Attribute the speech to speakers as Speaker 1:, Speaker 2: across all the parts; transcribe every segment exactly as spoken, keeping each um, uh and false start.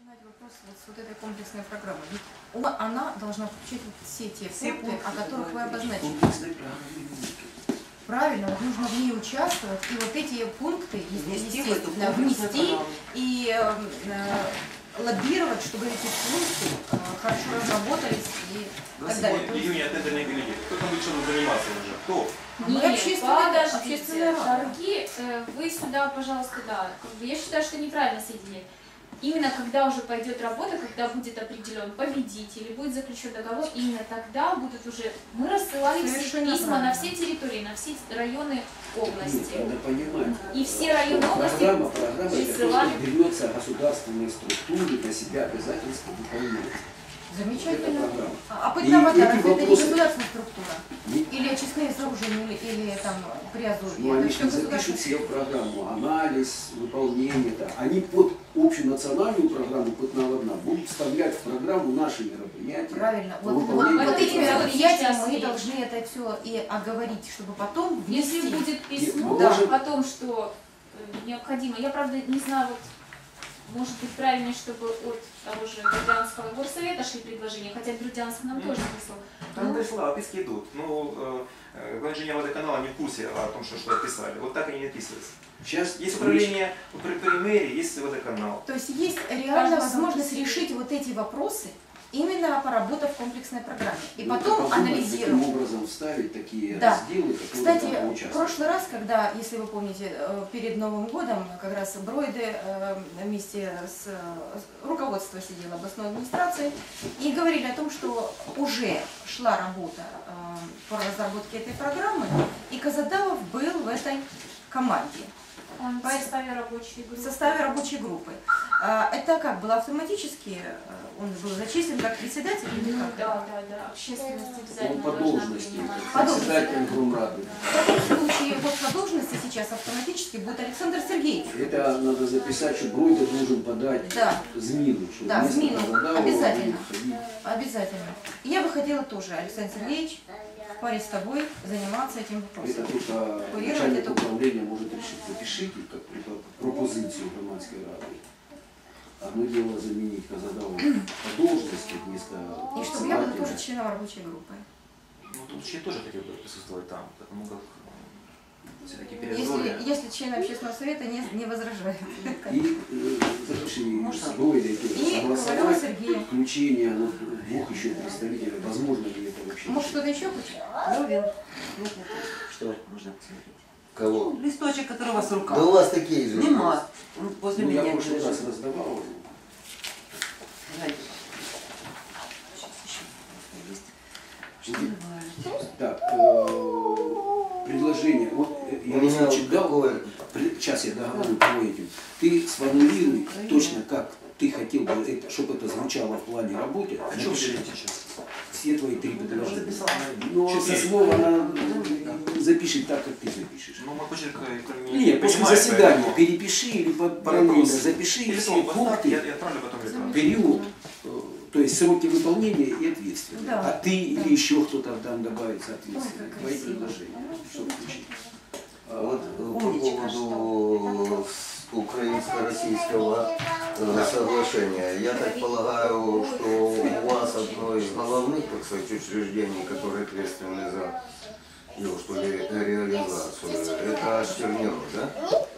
Speaker 1: Вопрос вот с вот этой комплексной программой. Ведь она должна включать вот все те
Speaker 2: все
Speaker 1: пункты,
Speaker 2: пункты,
Speaker 1: о которых вы обозначили.
Speaker 2: Правильно.
Speaker 1: Правильно, вот нужно в ней участвовать и вот эти пункты
Speaker 2: Внести,
Speaker 1: естественно, внести и э, э, лоббировать, чтобы эти пункты э, хорошо разработались и так далее.
Speaker 3: В июне тендерные бюллетени. Кто там будет чем заниматься уже? Кто?
Speaker 1: Нет,
Speaker 4: подождите,
Speaker 1: общественная
Speaker 4: торги, вы сюда, пожалуйста, да. Я считаю, что неправильно соединять. Именно когда уже пойдет работа, когда будет определен победитель, будет заключен договор, именно тогда будут уже... Мы рассылали все письма на все территории, на все районы области.
Speaker 5: Нет, надо понимать.
Speaker 4: И все районы области
Speaker 5: программа, программа
Speaker 4: присылали...
Speaker 5: это берется государственные структуры на себя обязательства выполняют.
Speaker 1: Замечательно. А бытовая это не государственная структура?
Speaker 5: Не...
Speaker 1: Или очистные сооружения, или, или там приазовье?
Speaker 5: Ну, они же запишут себе в программу анализ, выполнение. Да. Они под общую национальную программу «Путь на одна» будут вставлять в программу наши мероприятия.
Speaker 1: Правильно. Вот, вот, вот эти мероприятия мы должны это все и оговорить, чтобы потом внести.
Speaker 4: Если будет письмо
Speaker 5: Нет,
Speaker 4: да, о том, что необходимо, я правда не знаю, вот, может быть правильнее, чтобы от того же Бердянского горсовета шли предложения, хотя Бердянск нам тоже прислал.
Speaker 3: Там дошло, описки идут. Ну, э, инженер водоканала не в курсе о том, что, что описали. Вот так они не описываются.
Speaker 5: Сейчас
Speaker 3: есть управление при, при мэрии, есть водоканал.
Speaker 1: То есть есть реальная возможность решить вот эти вопросы, именно поработав в комплексной программе. И
Speaker 5: ну,
Speaker 1: потом анализировать.
Speaker 5: Каким образом вставить такие
Speaker 1: да.
Speaker 5: разделы, которые
Speaker 1: Кстати,
Speaker 5: там
Speaker 1: в прошлый раз, когда, если вы помните, перед Новым годом, как раз Бройде вместе с руководством сидела областной администрации и говорили о том, что уже шла работа по разработке этой программы, и Казадавов был в этой команде.
Speaker 4: Он в составе рабочей группы.
Speaker 1: В составе рабочей группы. Это как было автоматически? Он был зачислен как председатель?
Speaker 4: Ну, да, да, да. Общественность обязательно
Speaker 5: по должности.
Speaker 1: Председатель
Speaker 5: Грумрады.
Speaker 1: В таком случае вот по должности сейчас автоматически будет Александр Сергеевич.
Speaker 5: Это надо записать, что Бройде должен подать
Speaker 1: да.
Speaker 5: Змину.
Speaker 1: Да, Змину. Обязательно. Обязательно. И я бы хотела тоже, Александр Сергеевич, в паре с тобой заниматься этим вопросом.
Speaker 5: Это только начальник это... управления может решить. Напишите как пропозицию громадской рады. Одно дело заменить Казадаву по должности вместо...
Speaker 1: И чтобы я была тоже членом рабочей группы.
Speaker 3: Ну, тут я тоже хотел бы присутствовать там, потому как все-таки
Speaker 1: если, если члены общественного совета не, не возражают.
Speaker 5: И э, запиши Бройде согласовать включение ну, двух еще представителей. Возможно ли это вообще?
Speaker 1: Может, что-то еще хочет?
Speaker 2: Левин.
Speaker 5: Что?
Speaker 2: Можно посмотреть.
Speaker 6: Кого?
Speaker 2: Ну, листочек, который у вас в руках.
Speaker 6: Да у вас такие же.
Speaker 2: Нема. Возле
Speaker 5: ну,
Speaker 2: меня.
Speaker 5: Я в прошлый раз раздавал. Так, э, предложение. Вот я листочек дал. Сейчас я договорю по этим. Ты сформулируй точно, как ты хотел бы, это, чтобы это звучало в плане работы.
Speaker 3: А что вы делаете сейчас?
Speaker 5: Все твои три предложения. Но со слова она запишет так, как ты запишешь.
Speaker 3: Ну, мой почерк
Speaker 5: не Нет, после заседания поэтому... перепиши или параллельно запиши
Speaker 3: или
Speaker 5: все пункты,
Speaker 3: я, я отправлю потом
Speaker 5: период, то есть сроки выполнения и ответственность.
Speaker 1: Да.
Speaker 5: А ты да. или еще кто-то там добавится ответственность. Твои предложения, чтобы включить.
Speaker 6: Вот по поводу украинско-российского соглашения. Я так полагаю, что у вас одно из головных, так сказать, учреждений, которые ответственны за его, что ли, реализацию, это Штернеров, да?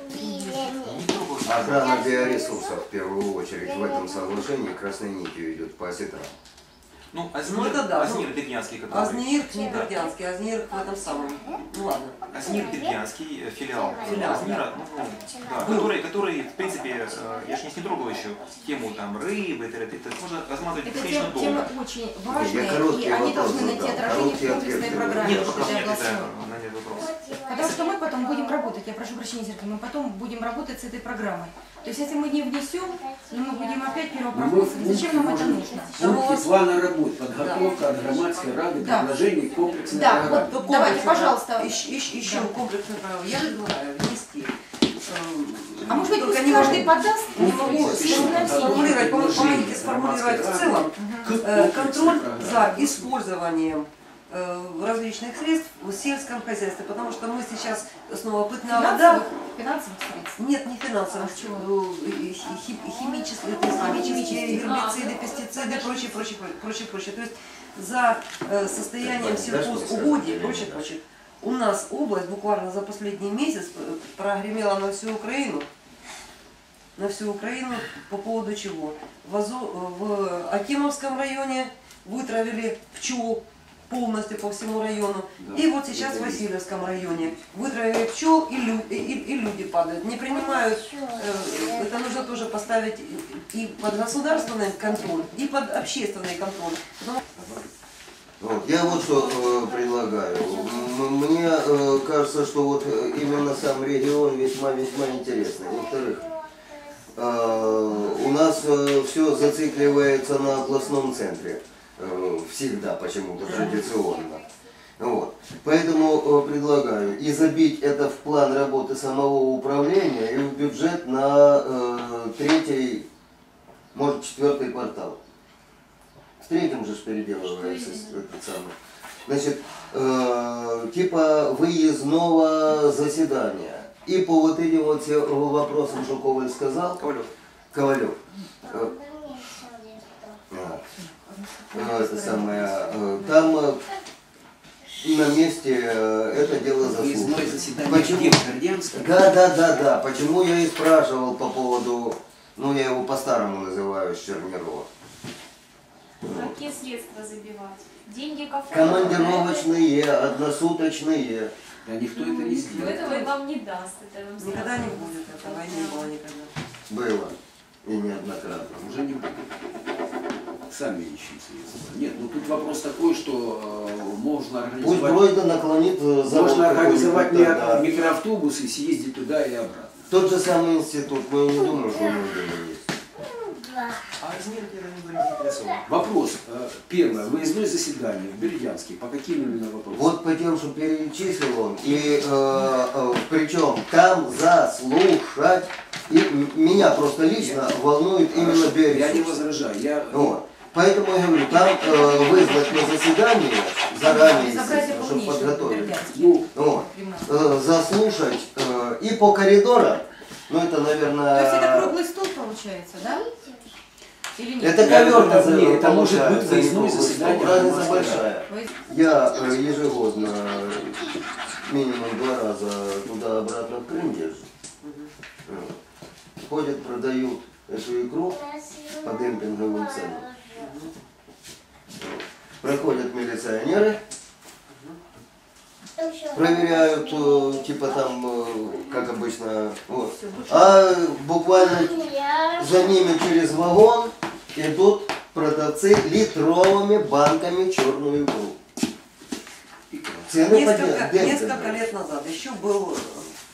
Speaker 6: Охрана биоресурсов в первую очередь в этом соглашении красной нитью идет по осетрам.
Speaker 3: Ну, Азнир,
Speaker 2: ну, это да,
Speaker 3: Азнир
Speaker 2: ну,
Speaker 3: Дебнянский, который...
Speaker 2: Азнир не Бердянский, Азнир в этом самом. Ну ладно.
Speaker 3: Азнир Дебнянский, филиал,
Speaker 2: филиал
Speaker 3: Азнира, ну, да, который, который, в принципе, я же не трогал еще тему там рыбы, это, это можно размазывать бесконечно долго.
Speaker 1: Эта тема очень важная, и они должны найти отражение в комплексной программе.
Speaker 3: Нет, пока нет, это на нет вопрос.
Speaker 1: Потому что мы потом будем работать, я прошу прощения, Сергей, мы потом будем работать с этой программой. То есть, если мы не внесем, но мы будем опять первопроходцем, зачем нам это нужно?
Speaker 5: Пункты плана работ, подготовка да. от громадской рады,
Speaker 1: да.
Speaker 5: предложений комплексной
Speaker 1: да,
Speaker 5: программы.
Speaker 1: Вот, давайте, пожалуйста.
Speaker 2: Еще, еще да. комплексную программу. Я предлагаю внести.
Speaker 1: А может быть, пусть каждый подаст?
Speaker 2: Не могу сформулировать, помогите сформулировать в целом контроль за использованием различных средств в сельском хозяйстве, потому что мы сейчас снова пытная вода.
Speaker 1: Финансовых средств?
Speaker 2: Нет, не финансовых, э, и хи- и химические, то есть химические гербициды, пестициды, прочее, прочее, прочее, прочее. То есть за э, состоянием сельхозугодий и прочее, прочее. У нас область буквально за последний месяц прогремела на всю Украину. На всю Украину по поводу чего? В, Азо- в Акимовском районе вытравили пчел полностью по всему району.
Speaker 5: Да.
Speaker 2: И вот сейчас в Васильевском районе вытравили пчел, и, лю- и, и- и люди падают. Не принимают, э, это нужно тоже поставить и под государственный контроль, и под общественный контроль. Потому
Speaker 6: Вот, я вот что э, предлагаю. М- Мне э, кажется, что вот э, именно сам регион весьма-весьма интересный. Во-вторых, э, у нас э, все зацикливается на областном центре. Э, всегда почему-то традиционно. Вот. Поэтому э, предлагаю и забить это в план работы самого управления и в бюджет на э, третий, может, четвертый квартал. В третьем же ж переделывается этот самый. Значит, э, типа выездного заседания. И по вот этим вот всем вопросам, что Коваль сказал,
Speaker 3: Ковалев.
Speaker 6: Ковалев. Э, а, э, это самое, э, там э, на месте э, это дело
Speaker 5: Выездное
Speaker 6: заслуживает.
Speaker 5: заседание
Speaker 6: Почему?
Speaker 5: где? В Гордянском?
Speaker 6: Да, да, да, да. Почему я и спрашивал по поводу, ну я его по-старому называю, Чернирова.
Speaker 4: Какие средства забивать? Деньги кафе?
Speaker 6: Командировочные, односуточные.
Speaker 5: Да никто это не
Speaker 4: Но
Speaker 5: сделает.
Speaker 4: этого вам не даст. Это вам
Speaker 2: никогда
Speaker 4: сразу
Speaker 2: не будет этого, и не было никогда.
Speaker 6: Было. И неоднократно.
Speaker 5: Уже не будет. Сами ищем средства. Нет, ну тут вопрос такой, что э, можно
Speaker 6: Пусть
Speaker 5: организовать,
Speaker 6: Бройда наклонит э, завод
Speaker 5: можно организовать
Speaker 6: какой-нибудь тогда.
Speaker 5: ми- микроавтобус и съездить туда и обратно.
Speaker 6: Тот же самый институт, мы не думаем, что он нужен есть.
Speaker 3: А Измир где не были заинтересованы?
Speaker 5: Вопрос. э, Первое. Выездное заседание в Бердянске. По каким именно вопросам?
Speaker 6: Вот по тем, что перечислил он, и э, э, причем там заслушать, и м- меня просто лично волнует именно
Speaker 5: Хорошо, я не
Speaker 6: Бердянск.
Speaker 5: возражаю. Я...
Speaker 6: Вот. Поэтому я говорю, там э, вызвать на заседание заранее,
Speaker 1: Собрать
Speaker 6: естественно, чтобы
Speaker 1: полнейшее
Speaker 6: подготовить.
Speaker 1: Бердянск.
Speaker 5: Ну,
Speaker 6: Вот.
Speaker 1: Прямо.
Speaker 6: Э, заслушать э, и по коридорам, ну это, наверное...
Speaker 1: То есть это круглый стол получается, да? Или нет?
Speaker 6: Это
Speaker 5: Это-
Speaker 6: ковер
Speaker 5: это-
Speaker 6: называется,
Speaker 5: нет, это может быть
Speaker 6: получается,
Speaker 5: выездное
Speaker 6: не круглый
Speaker 5: заседание
Speaker 6: стол. Разница
Speaker 5: Москвы.
Speaker 6: большая.
Speaker 1: Вы-
Speaker 6: Я э, ежегодно минимум два раза туда-обратно в Крым езжу. Вот. Ходят, продают эту икру по демпинговым ценам. Вот. Проходят милиционеры, проверяют, э, типа там, э, как обычно, вот. А буквально за ними через вагон идут продавцы литровыми банками черную икру. Цены
Speaker 2: Несколько,
Speaker 6: подняты.
Speaker 2: несколько лет назад еще был э,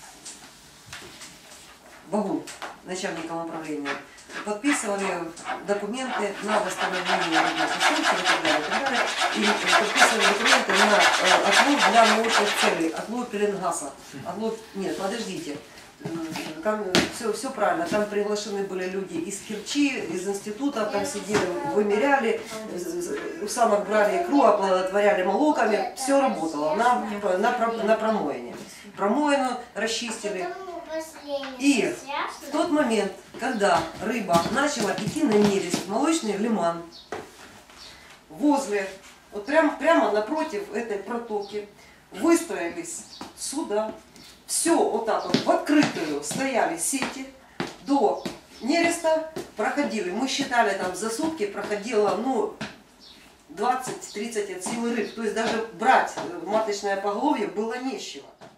Speaker 2: Багун, начальником управления. Подписывали документы на восстановление рабочих случаев и так далее, и так далее. И подписывали документы на э, отлов для научных целей, отлов пеленгаса. Отлов... Нет, подождите. М, Там все, все правильно. Там приглашены были люди из Керчи, из института, там сидели, вымеряли, у самок брали икру, оплодотворяли молоками. Все работало на, на, про- на промоине. Промоину расчистили. И в тот момент, когда рыба начала идти на нерест, молочный лиман, возле, вот прям, прямо напротив этой протоки, выстроились суда, все вот так вот в открытую стояли сети, до нереста проходили, мы считали там за сутки проходило, ну, двадцать-тридцать от силы рыб, то есть даже брать маточное поголовье было нечего.